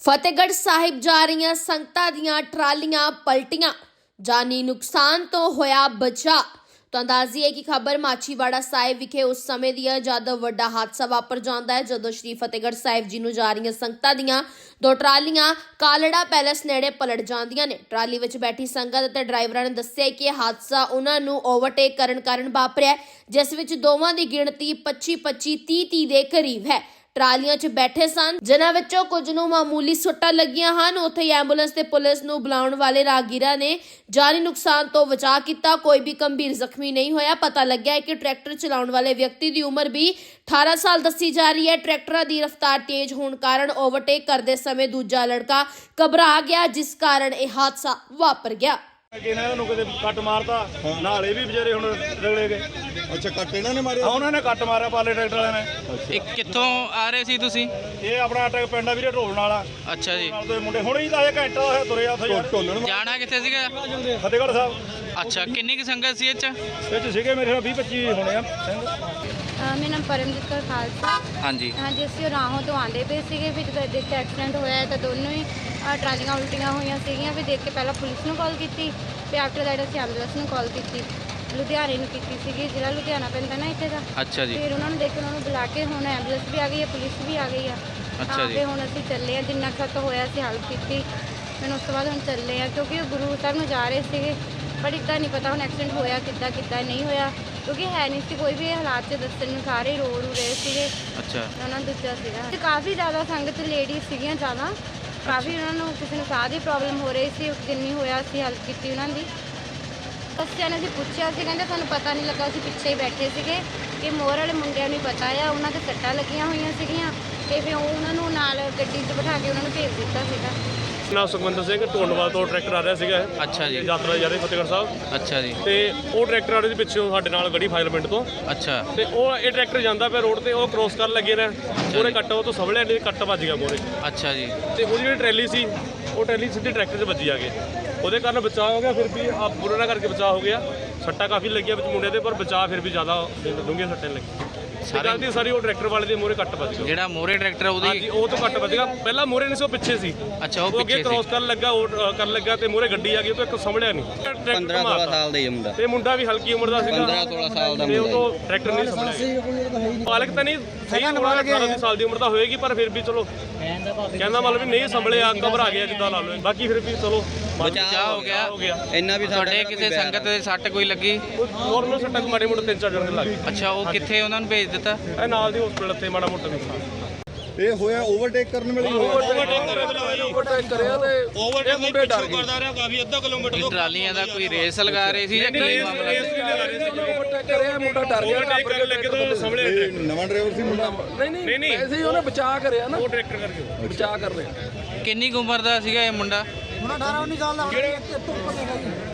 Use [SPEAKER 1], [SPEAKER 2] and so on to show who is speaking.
[SPEAKER 1] ਫਤਿਹਗੜ੍ਹ ਸਾਹਿਬ ਜਾ ਰਹੀਆਂ ਸੰਗਤਾਂ ਦੀਆਂ ਟਰਾਲੀਆਂ ਪਲਟੀਆਂ, ਜਾਨੀ ਨੁਕਸਾਨ ਤੋਂ ਹੋਇਆ ਬਚਾ। ਤਾਂ ਅੰਦਾਜ਼ੀ ਹੈ ਕਿ ਖਬਰ ਮਾਚੀਵਾੜਾ ਸਾਹਿਬ ਵਿਖੇ ਉਸ ਸਮੇਂ ਦੀ ਹੈ ਜਦ ਵੱਡਾ ਹਾਦਸਾ ਵਾਪਰ ਜਾਂਦਾ ਹੈ, ਜਦੋਂ ਸ਼੍ਰੀ ਫਤਿਹਗੜ੍ਹ ਸਾਹਿਬ ਜੀ ਨੂੰ ਜਾ ਰਹੀਆਂ ਸੰਗਤਾਂ ਦੀਆਂ ਦੋ ਟਰਾਲੀਆਂ ਕਾਲੜਾ ਪੈਲੇਸ ਨੇੜੇ ਪਲਟ ਜਾਂਦੀਆਂ ਨੇ। ਟਰਾਲੀ ਵਿੱਚ ਬੈਠੀ ਸੰਗਤ ਅਤੇ ਡਰਾਈਵਰਾਂ ਨੇ ਦੱਸਿਆ ਕਿ ਇਹ ਹਾਦਸਾ ਉਹਨਾਂ ਨੂੰ ਓਵਰਟੇਕ ਕਰਨ ਕਾਰਨ ਵਾਪਰਿਆ, ਜਿਸ ਵਿੱਚ ਦੋਵਾਂ ਦੀ ਗਿਣਤੀ 25-25, 30-30 ਦੇ ਕਰੀਬ ਹੈ। ਟਰਾਲੀਆਂ 'ਚ ਬੈਠੇ ਸਨ, ਜਿਨ੍ਹਾਂ ਵਿੱਚੋਂ ਕੁਝ ਨੂੰ ਮਾਮੂਲੀ ਸੱਟਾਂ ਲੱਗੀਆਂ ਹਨ। ਉੱਥੇ ਹੀ ਐਂਬੂਲੈਂਸ ਤੇ ਪੁਲਿਸ ਨੂੰ ਬੁਲਾਉਣ ਵਾਲੇ ਰਾਹਗੀਰਾਂ ਨੇ ਜਾਨੀ ਨੁਕਸਾਨ ਤੋਂ ਬਚਾਅ ਕੀਤਾ। ਕੋਈ ਵੀ ਗੰਭੀਰ ਜ਼ਖਮੀ ਨਹੀਂ ਹੋਇਆ। ਪਤਾ ਲੱਗਿਆ ਹੈ ਕਿ ਟਰੈਕਟਰ ਚਲਾਉਣ ਵਾਲੇ ਵਿਅਕਤੀ ਦੀ ਉਮਰ ਵੀ 18 ਸਾਲ ਦੱਸੀ ਜਾ ਰਹੀ ਹੈ। ਟਰੈਕਟਰਾਂ ਦੀ ਰਫ਼ਤਾਰ ਤੇਜ਼ ਹੋਣ ਕਾਰਨ ਓਵਰਟੇਕ ਕਰਦੇ ਸਮੇਂ ਦੂਜਾ ਲੜਕਾ ਘਬਰਾ ਗਿਆ, ਜਿਸ ਕਾਰਨ ਇਹ ਹਾਦਸਾ ਵਾਪਰ ਗਿਆ।
[SPEAKER 2] ਇਹਨਾਂ ਨੂੰ ਕਿਤੇ ਕੱਟ ਮਾਰਤਾ, ਨਾਲੇ ਵੀ ਵਿਚਾਰੇ ਹੁਣ ਰਗੜੇ ਗਏ।
[SPEAKER 3] ਅੱਛਾ, ਕੱਟ ਇਹਨਾਂ ਨੇ ਮਾਰਿਆ?
[SPEAKER 2] ਉਹਨਾਂ ਨੇ ਕੱਟ ਮਾਰਿਆ ਪਾਲੇ ਟਰੈਕਟਰ ਵਾਲਿਆਂ ਨੇ।
[SPEAKER 4] ਇਹ ਕਿੱਥੋਂ ਆ ਰਹੇ ਸੀ ਤੁਸੀਂ?
[SPEAKER 2] ਇਹ ਆਪਣਾ ਟਰੈਕ ਪਿੰਡ ਆ ਵੀਰੇ, ਢੋਲਣ ਵਾਲਾ।
[SPEAKER 4] ਅੱਛਾ ਜੀ।
[SPEAKER 2] ਨਾਲ ਦੇ ਮੁੰਡੇ ਹੁਣੇ ਹੀ ਤਾਂ ਇਹ ਘੰਟਾ ਹੋਇਆ ਤੁਰੇ ਆ ਉੱਥੇ ਯਾਰ।
[SPEAKER 3] ਢੋਲਣ
[SPEAKER 4] ਜਾਣਾ ਕਿੱਥੇ ਸੀਗਾ?
[SPEAKER 2] ਫਤਿਹਗੜ੍ਹ ਸਾਹਿਬ।
[SPEAKER 4] ਅੱਛਾ, ਕਿੰਨੀ ਕੁ ਸੰਗਤ ਸੀ ਇਹ 'ਚ?
[SPEAKER 2] ਇਹ 'ਚ ਸੀਗੇ ਮੇਰੇ 20-25 ਹੋਣੇ ਆ ਸਿੰਘ।
[SPEAKER 5] ਮੇਰਾ ਨਾਮ ਪਰਮਜੀਤ ਕੌਰ ਖਾਲਸਾ।
[SPEAKER 4] ਹਾਂਜੀ
[SPEAKER 5] ਹਾਂਜੀ, ਅਸੀਂ ਰਾਹੋਂ ਤੋਂ ਆਉਂਦੇ ਪਏ ਸੀਗੇ, ਫਿਰ ਜਦੋਂ ਦੇਖ ਕੇ ਐਕਸੀਡੈਂਟ ਹੋਇਆ ਹੈ ਤਾਂ ਦੋਨੋਂ ਹੀ ਟਰਾਲੀਆਂ ਉਲਟੀਆਂ ਹੋਈਆਂ ਸੀਗੀਆਂ। ਫਿਰ ਦੇਖ ਕੇ ਪਹਿਲਾਂ ਪੁਲਿਸ ਨੂੰ ਕਾਲ ਕੀਤੀ, ਫਿਰ ਆਫਟਰ ਦੈਟ ਅਸੀਂ ਐਂਬੂਲੈਂਸ ਨੂੰ ਕਾਲ ਕੀਤੀ, ਲੁਧਿਆਣੇ ਨੂੰ ਕੀਤੀ ਸੀਗੀ, ਜ਼ਿਲ੍ਹਾ ਲੁਧਿਆਣਾ ਪੈਂਦਾ ਨਾ ਇੱਥੇ ਦਾ।
[SPEAKER 4] ਅੱਛਾ ਜੀ।
[SPEAKER 5] ਫਿਰ ਉਹਨਾਂ ਨੂੰ ਦੇਖ ਕੇ ਉਹਨਾਂ ਨੂੰ ਬੁਲਾ ਕੇ ਹੁਣ ਐਂਬੂਲੈਂਸ ਵੀ ਆ ਗਈ ਹੈ, ਪੁਲਿਸ ਵੀ ਆ ਗਈ ਆ।
[SPEAKER 4] ਅੱਛਾ ਜੀ।
[SPEAKER 5] ਫਿਰ ਹੁਣ ਅਸੀਂ ਚੱਲੇ ਆ, ਜਿੰਨਾ ਕੁ ਸਾਤੋਂ ਹੋਇਆ ਅਸੀਂ ਹੈਲਪ ਕੀਤੀ। ਫਿਰ ਉਸ ਤੋਂ ਬਾਅਦ ਹੁਣ ਚੱਲੇ ਆ, ਕਿਉਂਕਿ ਉਹ ਗੁਰੂ ਸਾਹਿਬ ਨੂੰ ਜਾ ਰਹੇ ਸੀਗੇ, ਪਰ ਇੱਦਾਂ ਨਹੀਂ ਪਤਾ ਹੁਣ ਐਕਸੀਡੈਂਟ ਹੋਇਆ ਕਿੱਦਾਂ ਨਹੀਂ ਹੋਇਆ, ਕਿਉਂਕਿ ਹੈ ਨਹੀਂ ਸੀ ਕੋਈ ਵੀ ਇਹ ਹਾਲਾਤ 'ਚ ਦੱਸਣ ਨੂੰ, ਸਾਰੇ ਰੋ ਰਹੇ ਸੀਗੇ।
[SPEAKER 4] ਅੱਛਾ।
[SPEAKER 5] ਉਹਨਾਂ ਨੂੰ ਦੂਜਾ ਸੀਗਾ ਤੇ ਕਾਫੀ ਜ਼ਿਆਦਾ ਸੰਗਤ ਲੇਡੀਜ਼ ਸੀਗੀਆਂ ਜ਼ਿਆਦਾ, ਕਾਫੀ ਉਹਨਾਂ ਨੂੰ ਕਿਸੇ ਨੂੰ ਸਾਹ ਦੀ ਪ੍ਰੋਬਲਮ ਹੋ ਰਹੀ ਸੀ। ਜਿੰਨੀ ਹੋਇਆ ਅਸੀਂ ਹੈਲਪ ਕੀਤੀ ਉਹਨਾਂ ਦੀ। ਬੱਚਿਆਂ ਨੇ ਅਸੀਂ ਪੁੱਛਿਆ ਸੀ, ਕਹਿੰਦੇ ਸਾਨੂੰ ਪਤਾ ਨਹੀਂ ਲੱਗਾ, ਅਸੀਂ ਪਿੱਛੇ ਹੀ ਬੈਠੇ ਸੀਗੇ ਕਿ ਮੋਰ ਵਾਲੇ ਮੁੰਡਿਆਂ ਨੂੰ ਪਤਾ ਆ, ਉਹਨਾਂ ਦੇ ਸੱਟਾਂ ਲੱਗੀਆਂ ਹੋਈਆਂ ਸੀਗੀਆਂ ਤੇ ਫਿਰ ਉਹਨਾਂ ਨੂੰ ਨਾਲ ਗੱਡੀ 'ਚ ਬਿਠਾ ਕੇ ਉਹਨਾਂ ਨੂੰ ਭੇਜ ਦਿੱਤਾ ਸੀਗਾ।
[SPEAKER 2] ਨਾਮ ਸੁਖਵਿੰਦਰ ਸਿੰਘ, ਢੋਲਵਾਲ ਤੋਂ ਟਰੈਕਟਰ ਆ ਰਿਹਾ ਸੀਗਾ।
[SPEAKER 4] ਅੱਛਾ ਜੀ।
[SPEAKER 2] ਯਾਤਰਾ ਜਾ ਰਹੀ ਫਤਿਹਗੜ੍ਹ ਸਾਹਿਬ।
[SPEAKER 4] ਅੱਛਾ ਜੀ।
[SPEAKER 2] ਤੇ ਉਹ ਟਰੈਕਟਰ ਆ ਰਿਹਾ ਸੀ ਪਿੱਛੋਂ ਸਾਡੇ ਨਾਲ ਗੜੀ ਫਾਜ਼ਿਲ ਪਿੰਡ ਤੋਂ।
[SPEAKER 4] ਅੱਛਾ।
[SPEAKER 2] ਤੇ ਉਹ ਇਹ ਟਰੈਕਟਰ ਜਾਂਦਾ ਪਿਆ ਰੋਡ ਤੇ, ਉਹ ਕ੍ਰੋਸ ਕਰਨ ਲੱਗੇ ਨੇ, ਉਹਨੇ ਕੱਟ ਉਹ ਤੋਂ ਸਵਲਿਆ ਨਹੀਂ, ਕੱਟ ਵੱਜ ਗਿਆ ਮੋਰੇ।
[SPEAKER 4] ਅੱਛਾ ਜੀ।
[SPEAKER 2] ਤੇ ਉਹਦੀ ਜਿਹੜੀ ਟਰੈਲੀ ਸੀ, ਉਹ ਟਰੈਲੀ ਸਿੱਧੀ ਟਰੈਕਟਰ 'ਚ ਵੱਜੀ ਆ ਕੇ, ਉਹਦੇ ਕਾਰਨ ਬਚਾਅ ਹੋ ਗਿਆ। ਫਿਰ ਵੀ ਆ ਬੁਰਾ ਨਾ ਕਰਕੇ ਬਚਾਅ ਹੋ ਗਿਆ। ਸੱਟਾਂ ਕਾਫੀ ਲੱਗੀਆਂ ਵਿੱਚ ਮੁੰਡੇ ਦੇ, ਪਰ ਬਚਾਅ ਫਿਰ ਵੀ ਜ਼ਿਆਦਾ ਡੂੰਘੀਆਂ ਸੱਟਾਂ ਲੱਗੀਆਂ। ਸਾਰੀ ਉਹ ਟਰੈਕਟਰ ਵਾਲੇ ਦੇ ਮੋਰੇ ਕੱਟ ਵੱਜ ਗਿਆ।
[SPEAKER 4] ਜਿਹੜਾ ਮੋਰੇ ਟਰੈਕਟਰ
[SPEAKER 2] ਹਾਂਜੀ,
[SPEAKER 4] ਉਹਦੀ?
[SPEAKER 2] ਉਹ ਤੋਂ ਕੱਟ ਵੱਜ ਗਿਆ। ਪਹਿਲਾਂ ਮੋਰੇ ਨਹੀਂ ਸੀ, ਉਹ ਪਿੱਛੇ ਸੀ।
[SPEAKER 4] ਅੱਛਾ, ਉਹ
[SPEAKER 2] ਅੱਗੇ
[SPEAKER 4] ਪਿੱਛੇ
[SPEAKER 2] ਕ੍ਰੋਸ
[SPEAKER 4] ਸੀ।
[SPEAKER 2] ਕਰਨ ਲੱਗਾ, ਉਹ ਕਰਨ ਲੱਗਾ ਤੇ ਮੋਰੇ ਗੱਡੀ ਆ ਗਈ, ਉਹ ਤੋਂ ਇੱਕ ਸੰਭਲਿਆ ਨਹੀਂ।
[SPEAKER 6] 15-16 ਸਾਲ ਦਾ ਹੀ ਮੁੰਡਾ,
[SPEAKER 2] ਤੇ ਮੁੰਡਾ ਵੀ ਹਲਕੀ ਉਮਰ ਦਾ ਸੀਗਾ,
[SPEAKER 6] 15-16 ਸਾਲ ਦਾ
[SPEAKER 2] ਤੇ ਉਹ
[SPEAKER 6] ਮੁੰਡਾ।
[SPEAKER 2] ਤੋਂ ਟਰੈਕਟਰ ਨਹੀਂ ਸੰਭਲਿਆ। ਮਾਲਕ ਤਾਂ ਨਹੀਂ ਸਹੀ, 18 ਸਾਲ ਦੀ ਉਮਰ ਤਾਂ ਹੋਏਗੀ, ਪਰ ਫਿਰ ਵੀ ਚਲੋ ਕਹਿੰਦਾ ਮਤਲਬ ਵੀ ਨਹੀਂ ਸੰਭਲਿਆ, ਘਬਰਾ ਗਿਆ ਜਿੱਦਾਂ ਲਾ ਲਓ। ਬਾਕੀ ਫਿਰ ਵੀ ਚਲੋ
[SPEAKER 4] ਬਚਾਅ ਹੋ ਗਿਆ।
[SPEAKER 6] ਇੰਨਾ ਵੀ
[SPEAKER 4] ਤੁਹਾਡੇ ਕਿਸੇ ਸੰਗਤ ਦੇ ਸੱਟ ਕੋਈ ਲੱਗੀ?
[SPEAKER 2] ਨੋਰਮਲ ਸੱਟਾਂ ਮਾੜੇ ਮੋਟੇ 3-4 ਜਣੇ ਲੱਗ ਗਏ।
[SPEAKER 4] ਅੱਛਾ, ਉਹ ਕਿੱਥੇ ਉਹਨਾਂ ਨੂੰ ਭੇਜ ਦਿੱਤਾ?
[SPEAKER 2] ਇਹ ਨਾਲ ਦੀ ਹਸਪੀਟਲ ਤੇ ਮਾੜਾ ਮੋਟਾ ਨੁਕਸਾਨ।
[SPEAKER 3] ਇਹ ਹੋਇਆ ਓਵਰਟੇਕ ਕਰਨ ਵੇਲੇ ਹੀ ਹੋਇਆ।
[SPEAKER 2] ਓਵਰਟੇਕ ਕਰਿਆ ਤੇ ਓਵਰਟੇਕ ਮੁੰਡੇ ਡਰ ਗਏ। ਕਰਦਾ ਰਿਹਾ ਕਾਫੀ, ਅੱਧਾ ਕਿਲੋਮੀਟਰ
[SPEAKER 4] ਇਹ ਟਰਾਲੀਆਂ ਦਾ ਕੋਈ ਰੇਸ ਲਗਾ ਰਹੇ ਸੀ ਜਾਂ ਕੀ ਮਾਮਲਾ ਸੀ?
[SPEAKER 2] ਓਵਰਟੇਕ ਕਰਿਆ, ਮੁੰਡਾ ਡਰ ਗਿਆ। ਓਵਰਟੇਕ ਕਰਨ ਲੱਗੇ ਤਾਂ ਸੰਭਲਿਆ
[SPEAKER 3] ਇਹ ਨਵਾਂ ਡਰਾਈਵਰ ਸੀ ਮੁੰਡਾ?
[SPEAKER 2] ਨਹੀਂ ਐਸੇ ਹੀ ਉਹਨੇ ਬਚਾਅ ਕਰਿਆ ਨਾ, ਉਹ ਟਰੈਕਟਰ ਕਰਕੇ ਬਚਾਅ ਕਰ ਰਿਹਾ।
[SPEAKER 4] ਕਿੰਨੀ ਕੁ ਉਮਰ ਦਾ ਸੀਗਾ ਇਹ ਮੁੰਡਾ?
[SPEAKER 7] ਹੁਣ 18-19 ਸਾਲ ਦਾ